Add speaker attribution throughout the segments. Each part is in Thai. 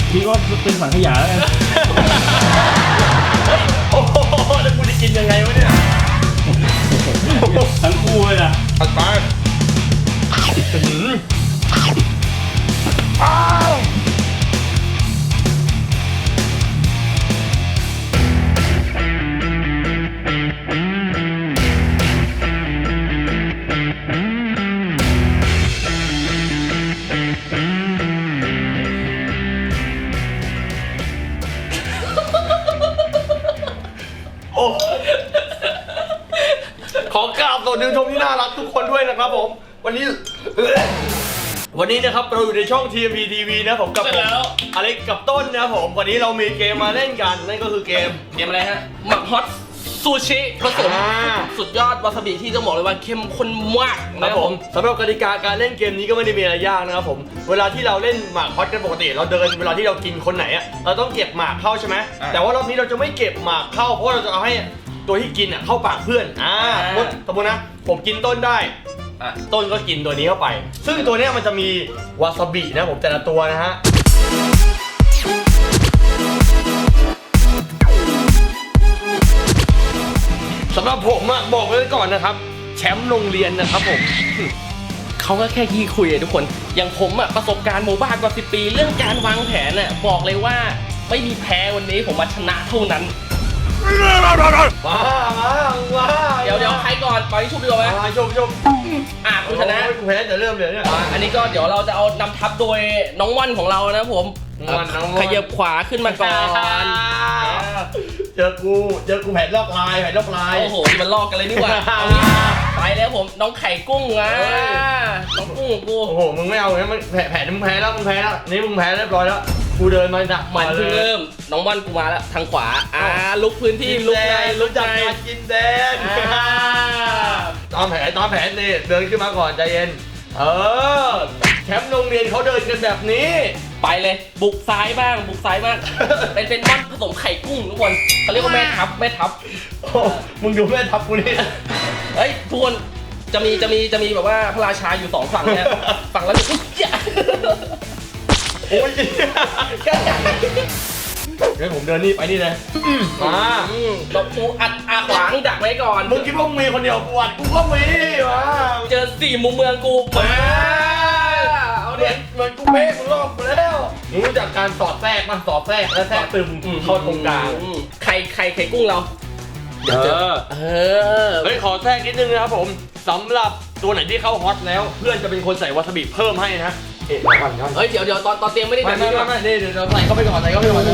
Speaker 1: คิดว่าเป็นสังขยาแล้วกัน
Speaker 2: โอ้โหแล้วกูจะกินยังไงวะเนี่ย
Speaker 1: ทั้งคู่เลยนะ
Speaker 2: ตัดไปอ้าวขอกราบสวัสดีผู้ชมที่น่ารักทุกคนด้วยนะครับผมวันนี้นะครับเราอยู่ในช่อง TMP TV นะผมกับผมอเล็กกับต้นนะครับผมวันนี้เรามีเกมมาเล่นกันนั่นก็คือเกม
Speaker 3: อะไรฮะหมักฮอตซูชิผสมสุดยอดวาซาบิที่ต้องบอกเลยว่าเข้มข้นมาก
Speaker 2: นะครับผมสำหรับกติกาการเล่นเกมนี้ก็ไม่ได้มีอะไรยากนะครับผมเวลาที่เราเล่นหมากฮอตกันปกติเราเดินเวลาที่เรากินคนไหนอะเราต้องเก็บหมากเข้าใช่ไหมแต่ว่ารอบนี้เราจะไม่เก็บหมากเข้าเพราะเราจะเอาให้ตัวที่กินเข้าปากเพื่อนสมมตินะผมกินต้นได้ต้นก็กินตัวนี้เข้าไปซึ่งตัวนี้มันจะมีวาซาบินะผมแต่ละตัวนะฮะสำหรับผมบอกไว้ก่อนนะครับแชมป์โรงเรียนนะครับผม
Speaker 3: เขาก็แค่ขี้คุยทุกคนอย่างผมประสบการณ์โมบ้ากว่า10 ปีเรื่องการวางแผนบอกเลยว่าไม่มีแพ้วันนี้ผมมาชนะเท่านั้น
Speaker 2: มา
Speaker 3: เดี๋ยวใครก่อนปล่อยชุบดีกว่าไหม
Speaker 2: ชุบ
Speaker 3: กูชนะ
Speaker 2: กูแพ้จะเริ่มเลยเนี่ย
Speaker 3: อันนี้ก็เดี๋ยวเราจะเอานำทัพโดยน้องว่านของเรานะผมขยับขวาขึ้นมาก่อน
Speaker 2: เจอกูแผนลอกลาย
Speaker 3: โอ้โหมันลอกกันเลยนี่หว่าไปแล้วผมน้องไข่กุ้งน้องกุ้งกู
Speaker 2: โอ้โหมึงไม่เอาเนี่ยมันแผนมึงแพ้แล้วนี่มึงแพ้เรียบร้อยแล้วกูเดินมาจาก
Speaker 3: มันเพิ่งเริ่มน้องว่านกูมาแล้วทางขวาลุกพื้นที่ลุกใน
Speaker 2: รู้จักการกินแดนตามแผนนี่เดินขึ้นมาก่อนใจเย็นแคมป์โรงเรียนเขาเดินกันแบบนี้
Speaker 3: ไปเลยบุกซ้ายบ้างเป็นม่อนผสมไข่กุ้งทุกคนเขาเรียกว่าแม่ทัพ
Speaker 2: มึงดูแม่ทัพกูนี่
Speaker 3: เฮ้ยทุกคนจะมีแบบว่าพระราชาอยู่2 ฝั่งเนี่ยฝั่งละ
Speaker 2: โอ้ยงั้นผมเดินนี่ไปนี่เลยมา
Speaker 3: ตบกูอัดขวางดักไว้ก่อน
Speaker 2: มึงคิดว่ามึงมีคนเดียวปวดกูก็มีมา
Speaker 3: เจอ4 มุมเมืองกูมา
Speaker 2: เอาเด็กเหมือนกูเป๊ะมึงรอบกูแล้วมึงรู้จักการสอดแทรกแล้วแทรกตึมเข้าตรงกลาง
Speaker 3: ไข่กุ้งเรา
Speaker 2: เฮ้ยขอแทรกนิดนึงนะครับผมสำหรับตัวไหนที่เข้าฮอตแล้วเพื่อนจะเป็นคนใส่วาซาบิเพิ่มให้นะ
Speaker 3: เดี๋ยวตอนเตรียมไม่ได้
Speaker 2: ไม่เดี๋ยวใส่เข้าไปก่อนใส่เข้าไปก่อน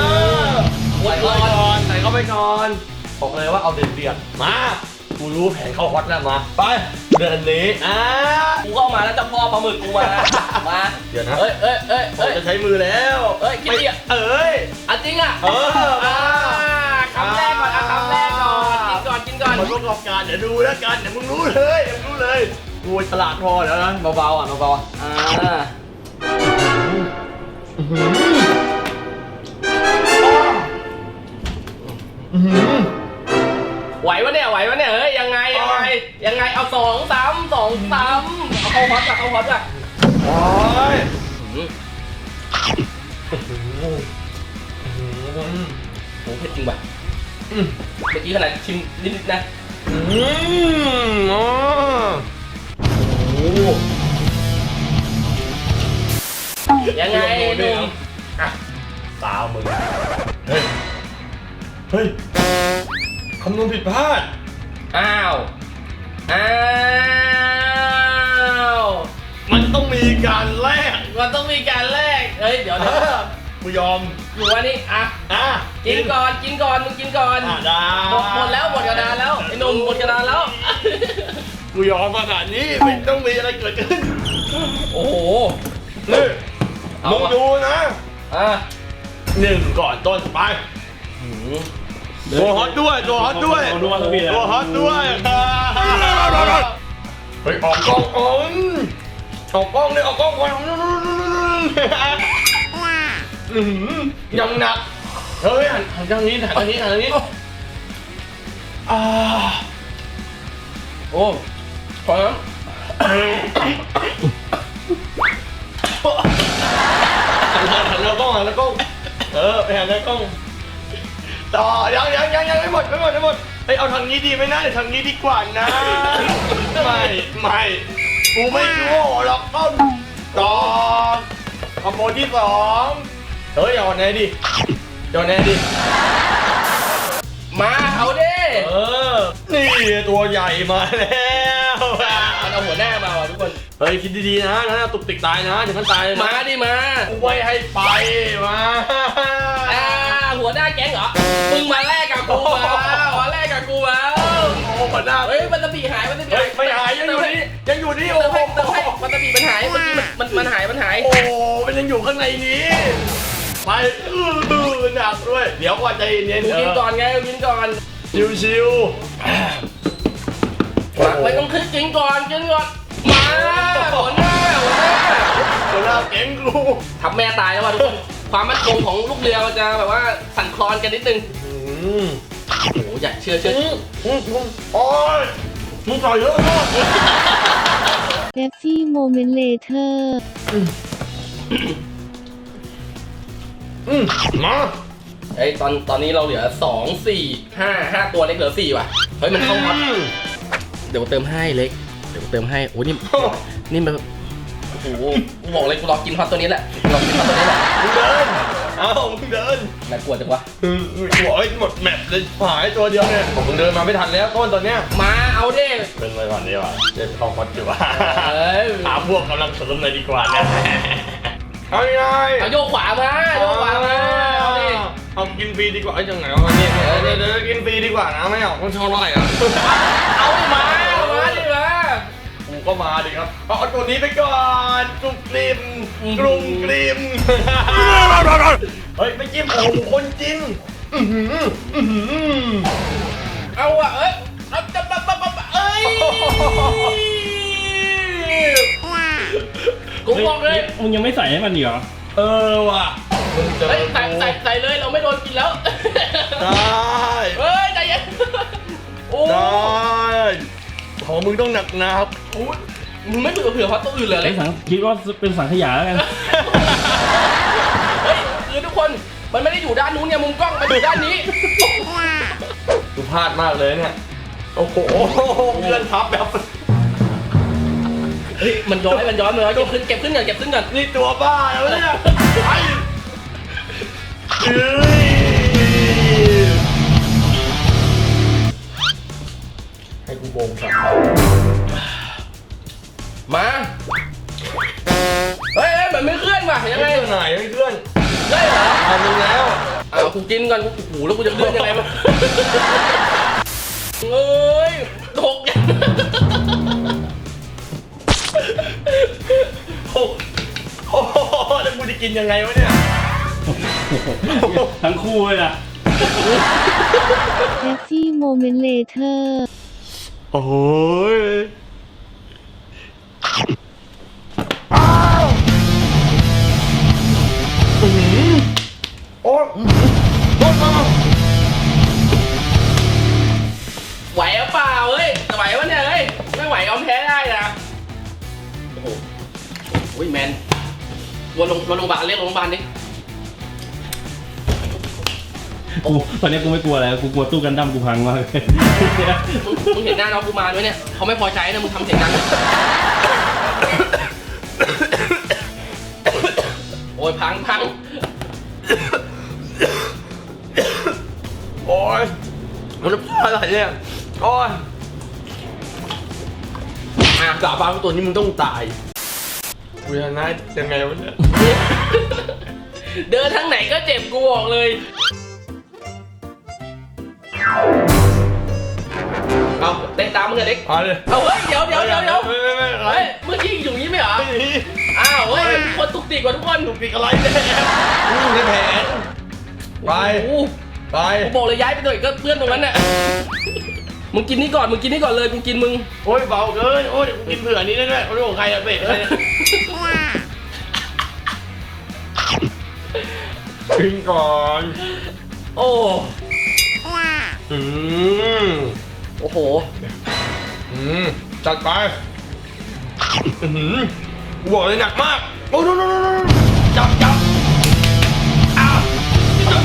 Speaker 2: บอกเลยว่าเอาเดือดมากูรู้แผนเข้าฮอตแล้วมาไปเดือนนี้
Speaker 3: กูเข้ามาแล้วจะพ่อปลาหมึกกูมา
Speaker 2: เดี๋ยวนะจะใช้มือแล้ว
Speaker 3: คิดดิจริงคำแรกก่อนกินก่อน
Speaker 2: มาประกอบการเดี๋ยวดูแล้วกันเดี๋ยวมึงรู้เลยกูฉลาดพอแล้วนะเบา
Speaker 3: ไหววะเนี่ยเฮ้ยยังไงเอา2 3เอาเข้าฮอตก่ะ
Speaker 2: โอ้ย
Speaker 3: โหเผ็ดจริงป่ะเมื่อกี้ขนาดชิมนิดนะยังไงนุ่ม
Speaker 2: ตามึงเฮ้ยคำนวณผิดพลาด
Speaker 3: อ้าว
Speaker 2: มันต้องมีการแลก
Speaker 3: เฮ้ยเดี๋ยว
Speaker 2: กูยอม
Speaker 3: อยู่ว่านี่กินก่อนมึงกินก่อนหมดแล้วหมดกระดานแล้วไอ้หนุ่มหมดกระดานแล้ว
Speaker 2: กูยอมขนาดนี้ไม่ต้องมีอะไรเกิดขึ้น
Speaker 3: โอ้โห
Speaker 2: นี่มึงดูนะ1ก่อนต้นไปตัวฮอตด้วยเฮ้ยออกกล้องก่อนยังหนักเฮ้ยหันทางนี้
Speaker 3: โอ้พอแล้ว
Speaker 2: หันแล้วก็ล้องหันหน้ากล้องไปหันหน้ากล้องต่อยังไม่หมดเฮ้ยเอาทางนี้ดีไหมนะทางนี้ดีกว่านะไม่กูไม่โง่หรอกต้นต่อคอมโบที่2เฮ้ยเอาไหนดิ
Speaker 3: มาเอาดิ
Speaker 2: นี่ตัวใหญ่มาแล้ว
Speaker 3: มันเอาหัวหน้ามาว่ะทุกคน
Speaker 2: เฮ้ยคิดดีๆนะตุกติกตายนะถึงขั้นตายเลยนะ
Speaker 3: มาดิมา
Speaker 2: กูไม่ให้ไปมา
Speaker 3: หัวหน้าแก๊งเหรอมึงมาแลกกับกูมา
Speaker 2: โอ้หัวหน้า
Speaker 3: เฮ้ยมันตะบีหายมันตะบี
Speaker 2: เฮ้ยไม่หายยังอยู่นี่โอ้
Speaker 3: เติมให้มันตะบีมันหายเมื่อกี้มันหาย
Speaker 2: โอ้มันยังอยู่ข้างในนี้ไปหนักด้วยเดี๋ยวก่อนใจเย็น
Speaker 3: กินก่อนไงกินก่อน
Speaker 2: ชิว
Speaker 3: ไม่ต้องขึ้นกินก่อนมาหัวหน้า
Speaker 2: แก๊งกู
Speaker 3: ทับแม่ตายแล้วว่ะทุกคนความมั่นคงของลูกเรือมันจะแบบว่าสั่นคลอนกันนิดนึงโอ้โหอย่าเชื่อ
Speaker 2: โอ้ยมึงต่อยเยอะมาก
Speaker 4: เอฟซี่โมเมนต์เลเทอร์
Speaker 2: มา
Speaker 3: เฮ้ยตอนนี้เราเหลือ2 4 5ตัวเล็กเหลือ4ว่ะเฮ้ยมันเข้าฮอตเดี๋ยวเติมให้เล็กโอ้นี่มันโอ้โหกูบอกเลยกูรอกินฮอตตัวนี้แหละ
Speaker 2: มึงเดิน
Speaker 3: น่ากลัวจังวะ
Speaker 2: หัวหมดแมปเลยหายตัวเดียวเนี่ยผมเดินมาไม่ทันแล้วต้นตอนเนี้ย
Speaker 3: มาเอาดิ
Speaker 2: เป็นไปก่อนดีกว่าจะเข้าฮอตอยู่ว่าหาพวกกำลังเสริมเลยดีกว่าเนี่ยเอาไง
Speaker 3: เอาโยกขวามาเอาดิ
Speaker 2: เอากินฟรีดีกว่าไอ้จังไหนวะเนี่ยเดี๋ยวกินฟรีดีกว่านะไม่เอาต้องชอบไรอ่ะ
Speaker 3: เอาดิมา
Speaker 2: กูก็มาดิครับเอาตัวนี้ไปก่อนกรุงกริมเฮ้ยไม่จิ้มโอ้คนจริง
Speaker 3: เอาอ่ะเอาจะกูบอกเลย
Speaker 1: มึงยังไม่ใส่ให้มันอีกเหรอ
Speaker 2: ว่ะ
Speaker 3: เฮ้ยใส่เลยเราไม่โดนกินแล้ว
Speaker 2: ได้
Speaker 3: เฮ้ยใจเย็น
Speaker 2: ได้ของมึงต้องหนักนะครับ
Speaker 3: มึงไม่เผื่อเพราะตัวอื่นเลย
Speaker 1: คิดว่าเป็นสังขยาแล้วกัน
Speaker 3: เฮ้ยคือทุกคนมันไม่ได้อยู่ด้านนู้นเนี่ยมุมกล้องมันอยู่ด้านนี้
Speaker 2: ดูพลาดมากเลยเนี่ยโอ้โหเพื่อนทับแบบ
Speaker 3: เฮ้ยมันย้อนเลยเก็บขึ้นก่อน
Speaker 2: นี่ตัวบ้าแล้วเนี่ยให้กูโบงสัก
Speaker 3: มาเฮ้ยมันไม่เคลื่อนว่ะยังไง
Speaker 2: ไม่เคลื่อน
Speaker 3: ได้เหรอ
Speaker 2: ทำมึงแล้ว
Speaker 3: กูกินก่อนโอ้โหแล้วกูจะเคลื่อนยังไงวะเอ้ยตก
Speaker 2: โอ้แล้วกูจะกินยังไงวะเนี่ย
Speaker 1: ทั้งคู่เลยอ่ะ
Speaker 4: เอฟซี่โมเมนต์เลเทอร์
Speaker 2: โอ้ยโอ้ย
Speaker 3: ไหวหรือเปล่าเฮ้ยไหววะเนี่ยเฮ้ยไม่ไหวยอมแพ้ได้นะโอ้โหแมนวนโรงพยาบาลเรียกโรงพยาบาลดิ
Speaker 1: ตอนนี้กูไม่กลัวแล้วกูกลัวตู้กันดั้มกูพังมาก
Speaker 3: มึงเห็นหน้าน้องกูมาด้วยเนี่ยเขาไม่พอใจนะมึงทำเสียงดังโอ้ยพัง
Speaker 2: โอ้ยมันจะพลาดอะไรเนี่ยโอ้ยกะบางตัวนี้มึงต้องตายกูจะน่ายังไงวะเนี่ย
Speaker 3: เดินทางไหนก็เจ็บกูบอกเลยเอาเต้นตามมึงเลยเด็ก
Speaker 2: เอาเลย
Speaker 3: เอาเฮ้ยเดี๋ยวเฮ้ยเมื่อกี้อยู่นี้ไม่เหรออ้าวเฮ้ยคนตุกติกกว่าทุกคน
Speaker 2: ตุกติกอะไรเนี่ยในแผนไป
Speaker 3: กูบอกเลยย้ายไปตัวอีกก็เพื่อนตรงนั้นน่ะมึงกินนี่ก่อนเลยกูกินมึง
Speaker 2: โอ้ยเบาเกินโอ้ยกูกินเผื่อนี้ได้ด้วยไม่รู้ของใครอะเป็ดอะไรกินก่อน
Speaker 3: โอ้
Speaker 2: โอ้โหจัดไปกูบอกเลยหนักมากโอ้โหจับ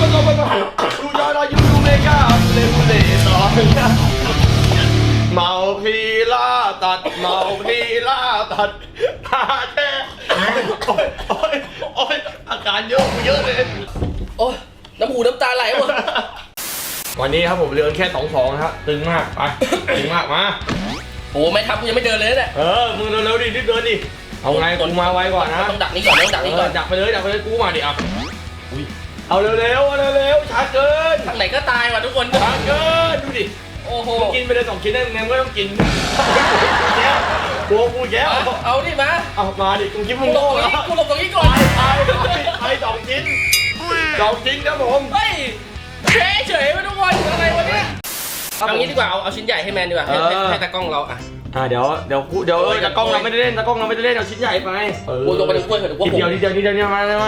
Speaker 2: ดูยอดอายุดูเมกาเลวเลต่อเมาพีล่าตัดเมาพีล่าตัดตาแท้โอ้ยอาการเยอะเลย
Speaker 3: โอ้ยน้ำหูน้ำตาไหลหมด
Speaker 2: วันนี้ครับผมเดินแค่2-2นะครับตึงมากไปตึงมากมา
Speaker 3: โอ้ไม่ทับกูยังไม่เดินเลยเนี่ย
Speaker 2: มึงเร็วๆดิรีบเดินดิเอาไงกูมาไวก่อนนะ
Speaker 3: ต้องดักนี้ก่อนต้องดักนี้ก่อน
Speaker 2: ดักไปเลยกูมาดิอ่ะเอาเร็วช้าเกิน
Speaker 3: ทางไหนก็ตายว่ะทุกคน
Speaker 2: ช้าเกินดูดิ
Speaker 3: โอ้โห
Speaker 2: มึงกินไปเลย2 ชิ้นได้ไงมึงก็ต้องกินแย่โว้กูแย่
Speaker 3: เอาดิมา
Speaker 2: เอามาดิกูคิดมึ
Speaker 3: กู
Speaker 2: ง
Speaker 3: หล
Speaker 2: โง่
Speaker 3: บตรง
Speaker 2: แล้
Speaker 3: นี้
Speaker 2: ว
Speaker 3: กูหลบตรงนี้ก่อน
Speaker 2: ไป2 ชิ้น2 ชิ้นครับผม
Speaker 3: เฮ้ยเฉยๆมาทุกคนอะไรวะเนี่ยเอางี้ดีกว่าเอาชิ้นใหญ่ให้แมนดีกว่าให้ตากล้องเราอ่ะ
Speaker 2: เดี๋ยวตากล้องเราไม่ได้เล่นเอาชิ้นใหญ่ไป
Speaker 3: กูลงไปในถ้วยเถอะเดี๋ยวกู
Speaker 2: นิดเดียวมา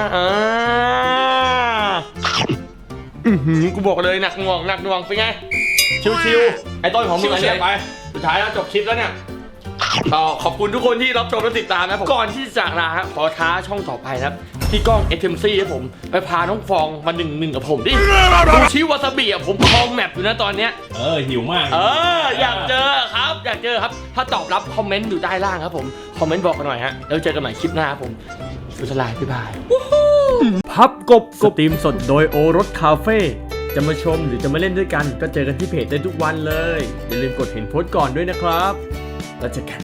Speaker 2: กูบอกเลยหนักหน่วงเป็นไงชิวๆไอ้ต้นของมึงอันนี้ไปสุดท้ายแล้วจบคลิปแล้วเนี่ยขอบคุณทุกคนที่รับชมและติดตามนะผมก่อนที่จะจากลาครับขอท้าช่องต่อไปนะครับพี่ก้อง SMC ให้ผมไปพาน้องฟองมาหนึ่งกับผมดิดูชิวาซาบิอ่ะผมคลองแมปอยู่นะตอนเนี้ย
Speaker 1: หิวมาก
Speaker 2: อยากเจอครับถ้าตอบรับคอมเมนต์อยู่ใต้ล่างครับผมคอมเมนต์บอกกันหน่อยฮะแล้วเจอกันใหม่คลิปหน้าครับผมสุดท้ายบ๊ายบาย
Speaker 5: พับกบสตรีมสดโดยโอรสคาเฟ่จะมาชมหรือจะมาเล่นด้วยกันก็เจอกันที่เพจได้ทุกวันเลย อย่าลืมกดเห็นโพสต์ก่อนด้วยนะครับ แล้วเจอกัน